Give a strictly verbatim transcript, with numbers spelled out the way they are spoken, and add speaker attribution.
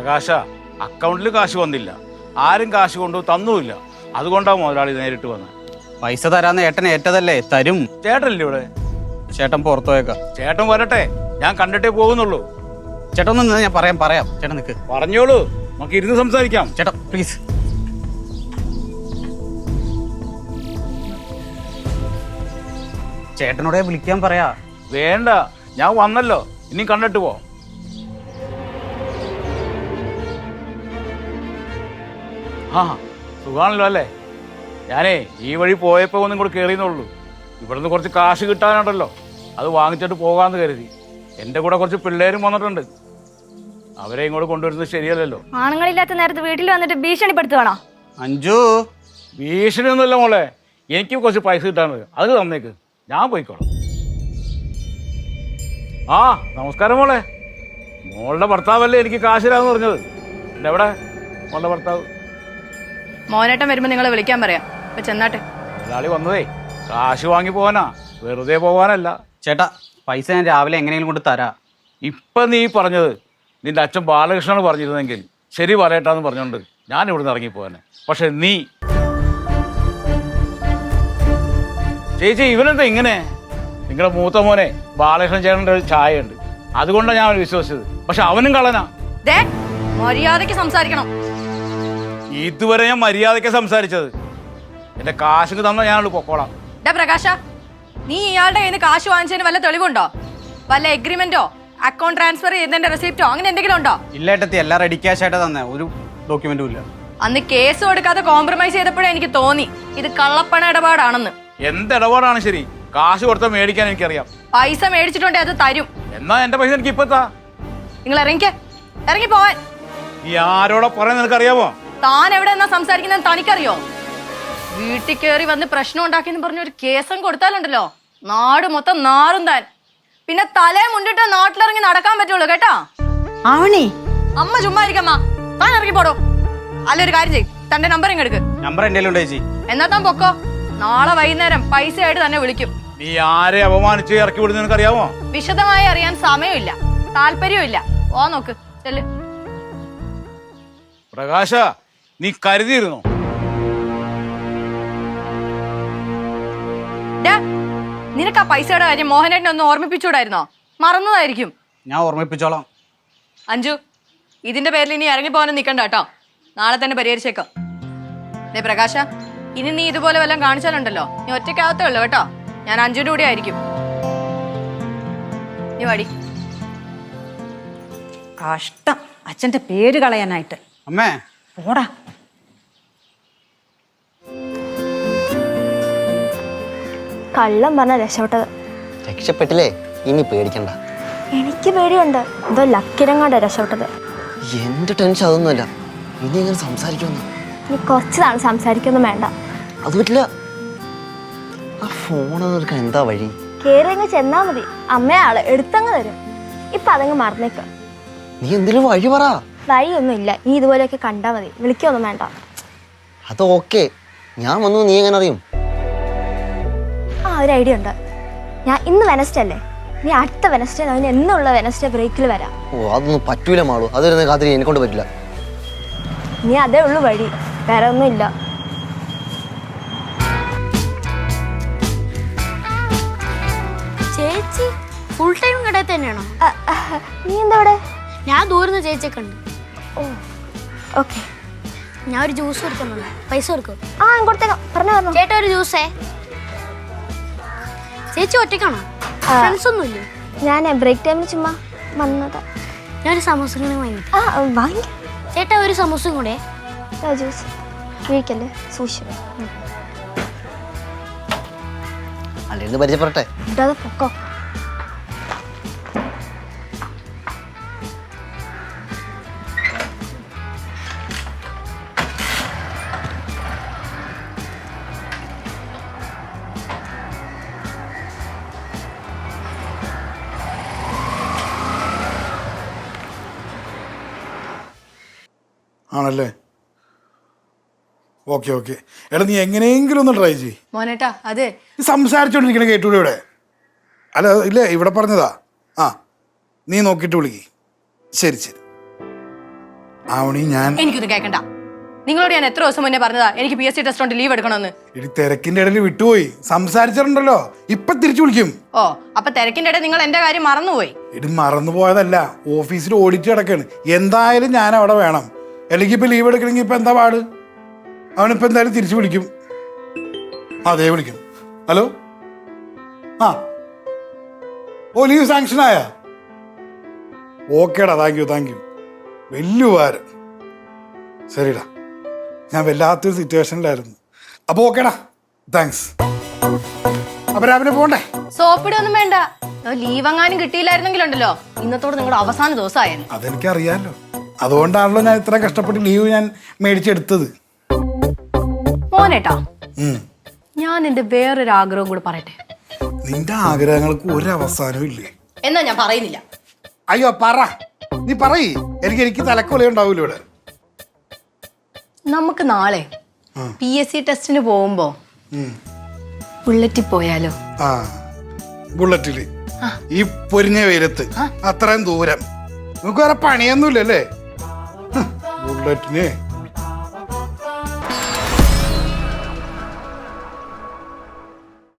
Speaker 1: പ്രകാശ, അക്കൗണ്ടിൽ കാശ് വന്നില്ല, ആരും കാശ് കൊണ്ടു തന്നുമില്ല. അതുകൊണ്ടാണ് മുതലാളി നേരിട്ട് വന്നത്.
Speaker 2: പൈസ തരാന്ന് ഏട്ടൻ ഏറ്റതല്ലേ, തരും.
Speaker 1: ചേട്ടനല്ലേ ഇവിടെ?
Speaker 2: ചേട്ടൻ പുറത്തു പോയേക്കാം.
Speaker 1: ചേട്ടൻ വരട്ടെ, ഞാൻ കണ്ടിട്ടേ പോകുന്നുള്ളൂ.
Speaker 2: ചേട്ടൻ ഒന്ന് ഞാൻ പറയാം പറയാം ചേട്ടൻ നിൽക്ക്.
Speaker 1: പറഞ്ഞോളൂ, നമുക്ക് ഇരുന്ന് സംസാരിക്കാം.
Speaker 2: ചേട്ടാ പ്ലീസ്. ചേട്ടനോടെ വിളിക്കാൻ പറയാ.
Speaker 1: വേണ്ട, ഞാൻ വന്നല്ലോ, ഇനി കണ്ടിട്ട് പോ. ആ സുഖാണല്ലോ അല്ലേ? ഞാനേ ഈ വഴി പോയപ്പോ ഒന്നും കൂടെ കയറിയെന്നുള്ളൂ. ഇവിടുന്ന് കുറച്ച് കാശ് കിട്ടാനുണ്ടല്ലോ, അത് വാങ്ങിച്ചിട്ട് പോകാമെന്ന് കരുതി. എൻ്റെ കൂടെ കുറച്ച് പിള്ളേരും വന്നിട്ടുണ്ട്, അവരെ ഇങ്ങോട്ട് കൊണ്ടുവരുന്നത് ശരിയല്ലല്ലോ.
Speaker 3: ആണുങ്ങളില്ലാത്ത നേരത്ത് വീട്ടിൽ വന്നിട്ട് ഭീഷണിപ്പെടുത്തുവാണോ?
Speaker 2: അഞ്ചു,
Speaker 1: ഭീഷണി ഒന്നുമില്ല മോളെ, എനിക്ക് കുറച്ച് പൈസ കിട്ടാനുണ്ട്, അത് തന്നേക്ക്, ഞാൻ പോയിക്കോളാം. ആ നമസ്കാരം മോളെ. മോളുടെ ഭർത്താവല്ലേ എനിക്ക് കാശിലാന്ന് പറഞ്ഞത്. എവിടെ മോളുടെ ഭർത്താവ്?
Speaker 3: മോനേട്ടൻ വരുമ്പോ നിങ്ങളെ വിളിക്കാൻ പറയാം. ഇപ്പൊ ചെന്നാട്ടെ.
Speaker 1: മുതലാളി വന്നതേ കാശ് വാങ്ങി പോവാനാ, വെറുതെ പോവാനല്ല.
Speaker 2: ചേട്ടാ പൈസ ഞാൻ രാവിലെ എങ്ങനെയെങ്കിലും കൊണ്ട് തരാ.
Speaker 1: ഇപ്പൊ നീ പറഞ്ഞത് നിന്റെ അച്ഛൻ ബാലകൃഷ്ണന് പറഞ്ഞിരുന്നെങ്കിൽ ശരി പറയട്ടാന്ന് പറഞ്ഞോണ്ട് ഞാൻ ഇവിടുന്ന് ഇറങ്ങിപ്പോവാനെ. പക്ഷെ നീ ചേച്ചി, ഇവനെന്താ ഇങ്ങനെ? നിങ്ങളുടെ മൂത്ത മോനെ ബാലകൃഷ്ണൻ ചേട്ടൻ്റെ ഒരു ചായ ഉണ്ട്, അതുകൊണ്ടാണ് ഞാൻ അവനെ വിശ്വസിച്ചത്. പക്ഷെ അവനും കളനാ.
Speaker 3: മര്യാദക്ക് സംസാരിക്കണം.
Speaker 1: ഇതുവരെ ഞാൻ മര്യാദയ്ക്ക് സംസാരിച്ചത്. എന്റെ കാശ് തന്ന ഞാനോട് പൊക്കോളാം.
Speaker 3: പ്രകാശ, നീ ഇയാളുടെ കയ്യിൽ നിന്ന് കാശ് വാങ്ങിച്ചതിന് വല്ല തെളിവുണ്ടോ? വല്ല എഗ്രിമെന്റോ അക്കൗണ്ട് ട്രാൻസ്ഫർ ചെയ്തതിന്റെ റെസിപ്റ്റോ അങ്ങനെ എന്തെങ്കിലും ഉണ്ടോ?
Speaker 2: ഇല്ല ഏട്ടത്തി, എല്ലാം റെഡി ക്യാഷ് ആയിട്ട് തന്നെ, ഒരു ഡോക്യുമെന്റും ഇല്ല.
Speaker 3: അന്ന് കേസ് കൊടുക്കാതെ കോംപ്രമൈസ് ചെയ്തപ്പോഴേ എനിക്ക് തോന്നി ഇത് കള്ളപ്പണ ഇടപാടാണെന്ന്.
Speaker 1: എന്ത് ഇടപാടാണ് ശരി? കാശ് കൊടുത്ത മേടിക്കാൻ എനിക്കറിയാം.
Speaker 3: പൈസ മേടിച്ചിട്ടുണ്ടെ അത് തരും.
Speaker 1: എന്നാ എന്റെ പൈസ എനിക്ക് ഇപ്പത്താ.
Speaker 3: നിങ്ങൾ ഇറങ്ങിക്ക, ഇറങ്ങി പോവാൻ.
Speaker 1: ഈ ആരോടെ പറയാൻ നിനക്കറിയാമോ?
Speaker 3: താൻ എവിടെ എന്നാ സംസാരിക്കുന്നത് തനിക്കറിയോ? വീട്ടിൽ കയറി വന്ന് പ്രശ്നം ഉണ്ടാക്കിയെന്ന് പറഞ്ഞ ഒരു കേസം കൊടുത്താലുണ്ടല്ലോ, നാട് മൊത്തം നാറും താൻ. പിന്നെ തലേ മുണ്ടിട്ട് നാട്ടിലിറങ്ങി നടക്കാൻ പറ്റുള്ളൂ കേട്ടോ.
Speaker 4: ആവണേ
Speaker 3: അമ്മ ചുമ്മാ ഇരിക്കമ്മ, താൻ ഇറങ്ങി പോടോ. അല്ലൊരു കാര്യം ചെയ്, തന്റെ നമ്പർ ഇങ്ങ് എടുക്ക്.
Speaker 2: നമ്പർ എന്റെ ഉണ്ട് ചേച്ചി.
Speaker 3: എന്നാ താൻ പൊക്കോ, നാളെ വൈകുന്നേരം പൈസ ആയിട്ട് തന്നെ വിളിക്കും.
Speaker 1: നീ ആരെ അപമാനിച്ച് ഇറക്കി വിടുന്ന നിനക്കറിയാമോ?
Speaker 3: വിശദമായി അറിയാൻ സമയമില്ല, താല്പര്യമില്ല. ഓ നോക്ക് ചെല്ല്.
Speaker 1: പ്രകാശ, നീ കരുതിയിരുന്നോ?
Speaker 3: നിനക്ക് ആ പൈസയുടെ കാര്യം മോഹനേട്ടനെ ഒന്ന് ഓർമ്മിപ്പിച്ചൂടായിരുന്നോ? മറന്നതായിരിക്കും.
Speaker 2: ഞാൻ ഓർമ്മിപ്പിച്ചോളാം.
Speaker 3: അഞ്ജു, ഇതിന്റെ പേരിൽ ഇനി ഇറങ്ങി പോകാനും നിൽക്കണ്ട കേട്ടോ, നാളെ തന്നെ പരിഹരിച്ചേക്കാം. ദേ പ്രകാശ, ഇനി നീ ഇതുപോലെ വല്ലതും കാണിച്ചാലുണ്ടല്ലോ, നീ ഒറ്റയ്ക്കാവത്തേ ഉള്ളൂ കേട്ടോ. ഞാൻ അഞ്ജുവിന്റെ കൂടെ ആയിരിക്കും. നീ വാടി.
Speaker 4: കഷ്ടം, അച്ഛന്റെ പേര് കളയാനായിട്ട്.
Speaker 2: അമ്മേ
Speaker 4: പോടാ.
Speaker 5: കള്ളം പറഞ്ഞ രക്ഷപ്പെട്ടത്.
Speaker 6: രക്ഷപ്പെട്ടില്ലേ? ഇനി പേടിക്കണ്ട.
Speaker 5: എനിക്ക് പേടിയുണ്ട്, എന്തോ ലക്കിരങ്ങാണ്ട രക്ഷപ്പെട്ടത്.
Speaker 6: എന്റെ ടെൻഷൻ അതൊന്നുമല്ല, ഇനി എങ്ങനെ സംസാരിക്കുമെന്ന്.
Speaker 5: ഇനി കുറച്ച് നാൾ സംസാരിക്കൊന്നും വേണ്ട.
Speaker 6: അത് പറ്റില്ല. ആ ഫോൺ എടുക്കാൻ എന്താ വഴി?
Speaker 5: കേറിയങ്ങ് ചെന്നാ മതി, അമ്മയാള് എടുത്തങ്ങ് തരും. ഇപ്പൊ അതങ്ങ് മറന്നേക്ക.
Speaker 6: നീ എന്തെങ്കിലും വഴി പറ.
Speaker 5: വഴിയൊന്നും ഇല്ല, നീ ഇതുപോലെയൊക്കെ കണ്ടാ മതി, വിളിക്കൊന്നും വേണ്ട.
Speaker 6: അത് ഓക്കെ, ഞാൻ വന്നു നീ എങ്ങനെ അറിയും?
Speaker 5: ആ ഒരു ഐഡിയ ഉണ്ട്. ഞാൻ ഇന്ന് വെനസ്ഡേ അല്ലേ, നീ അടുത്ത വെനസ്ഡേ അതിന് എന്നുള്ള വെനസ്ഡേ ബ്രേക്കിൽ വരാം.
Speaker 6: ഓ അതൊന്നും പറ്റൂല മാളൂ, അതൊരു കാത്തിരി എന്നെ കൊണ്ട് പറ്റില്ല.
Speaker 5: നീ അതേ ഉള്ളു വഴി, വേറെ ഒന്നും ഇല്ല.
Speaker 7: ചേച്ചി ഫുൾ ടൈം കടയിൽ തന്നെയാണോ?
Speaker 5: നീ എന്താ ഇവിടെ?
Speaker 7: ഞാൻ ദൂരം ചേച്ചിയെ കണ്ടു.
Speaker 5: ഓ ഓക്കെ,
Speaker 7: ഞാൻ ഒരു ജ്യൂസ് കൊടുക്കാൻ വന്നു, പൈസ കൊടുക്കും.
Speaker 5: ആ കൊടുത്തേക്കാം, പറഞ്ഞു പറഞ്ഞു.
Speaker 7: ചേട്ടാ ഒരു ജ്യൂസേ. ചേച്ചി ഒറ്റയ്ക്കാണോ? ഫ്രണ്ട്സ് ഒന്നുമില്ലേ?
Speaker 5: ഞാൻ ബ്രേക്ക് ടൈമിൽ ചുമ്മാ വന്നതാ.
Speaker 7: ഞാനൊരു സമൂസ വാങ്ങി.
Speaker 5: ആ വാങ്ങി.
Speaker 7: ചേട്ടാ ഒരു സമൂസയും കൂടെ.
Speaker 5: ജ്യൂസ് കഴിക്കല്ലേ, സൂക്ഷിച്ചു.
Speaker 6: അല്ലെങ്കിൽ പരിചയപ്പെടട്ടെ.
Speaker 5: ഇടാതെ പൊക്കോ.
Speaker 8: ആണല്ലേ? Okay okay. എടാ നീ എങ്ങനെയെങ്കിലും ഒന്ന് ട്രൈ ചെയ്യ്
Speaker 3: മോനേട്ടാ. അതെ,
Speaker 8: സംസാരിച്ചോണ്ടിരിക്കണ കേട്ടൂടെ ഇവിടെ? അല്ല ഇല്ലേ, ഇവിടെ പറഞ്ഞതാ. ആ നീ നോക്കിയിട്ട് വിളിക്ക്. ശരി ശരി. ആവണി ഞാൻ
Speaker 3: എനിക്കൊന്നും കേൾക്കണ്ട. നിങ്ങളോട് ഞാൻ എത്ര ദിവസം മുന്നേ പറഞ്ഞതാ എനിക്ക് പി എസ് സി ടെസ്റ്റ് കൊണ്ട് ലീവ് എടുക്കണമെന്ന്.
Speaker 8: ഇനി തിരക്കിന്റെ ഇടയിൽ വിട്ടുപോയി സംസാരിച്ചിട്ടുണ്ടല്ലോ, ഇപ്പൊ തിരിച്ചു വിളിക്കും.
Speaker 3: ഓ അപ്പൊ തിരക്കിന്റെ ഇടയിൽ നിങ്ങൾ എന്റെ കാര്യം മറന്നുപോയി.
Speaker 8: ഇടി മറന്നുപോയതല്ല, ഓഫീസിൽ ഓഡിറ്റ് കിടക്കാണ്. എന്തായാലും ഞാൻ അവിടെ വേണം, അല്ലെങ്കിൽ ഇപ്പൊ ലീവ് എടുക്കണമെങ്കിൽ ഇപ്പൊ എന്താ പാട്? അവനിപ്പോ എന്തായാലും തിരിച്ചു വിളിക്കും. അതെ വിളിക്കും. ഹലോ, ആ ഓ ലീവ് സാങ്ഷൻ ആയ? ഓക്കേടാ, താങ്ക് യു താങ്ക് യു, വലിയ ഉപകാരം. ശരിടാ, ഞാൻ വല്ലാത്തൊരു സിറ്റുവേഷനിലായിരുന്നു. അപ്പൊ ഓക്കേടാ, താങ്ക്സ്. അപ്പൊ രാവിലെ പോണ്ടേ?
Speaker 3: സോപ്പിടൊന്നും വേണ്ട. ലീവ് എങ്ങാനും കിട്ടിയില്ലായിരുന്നെങ്കിലുണ്ടല്ലോ ഇന്നത്തോട് നിങ്ങളുടെ അവസാന ദിവസമായിരുന്നു.
Speaker 8: അതെനിക്കറിയാലോ, അതുകൊണ്ടാണല്ലോ ഞാൻ ഇത്ര കഷ്ടപ്പെട്ട് ലീവ് ഞാൻ മേടിച്ചെടുത്തത്.
Speaker 3: മോനേട്ടാ,
Speaker 8: ഉം.
Speaker 3: ഞാൻ എന്റെ വേറൊരു ആഗ്രഹം കൂടെ പറയട്ടെ.
Speaker 8: നിന്റെ ആഗ്രഹങ്ങൾക്ക് ഒരു അവസാനവും ഇല്ലേ?
Speaker 3: എന്നാ ഞാൻ പറയുന്നില്ല.
Speaker 8: അയ്യോ പറ, നീ പറയ്. എനിക്ക് എനിക്ക് തലക്കൊല ഉണ്ടാവൂല ഇവിടെ.
Speaker 3: നമുക്ക് നാളെ പി എസ് സി ടെസ്റ്റിന് പോകുമ്പോ ബുള്ളറ്റിൽ പോയാലോ?
Speaker 8: ആ ബുള്ളറ്റില് ഈ പൊരിഞ്ഞ വെയിലത്ത് അത്രയും ദൂരം നമുക്ക് വേറെ പണിയൊന്നുമില്ലല്ലേ? ബുള്ളറ്റിന്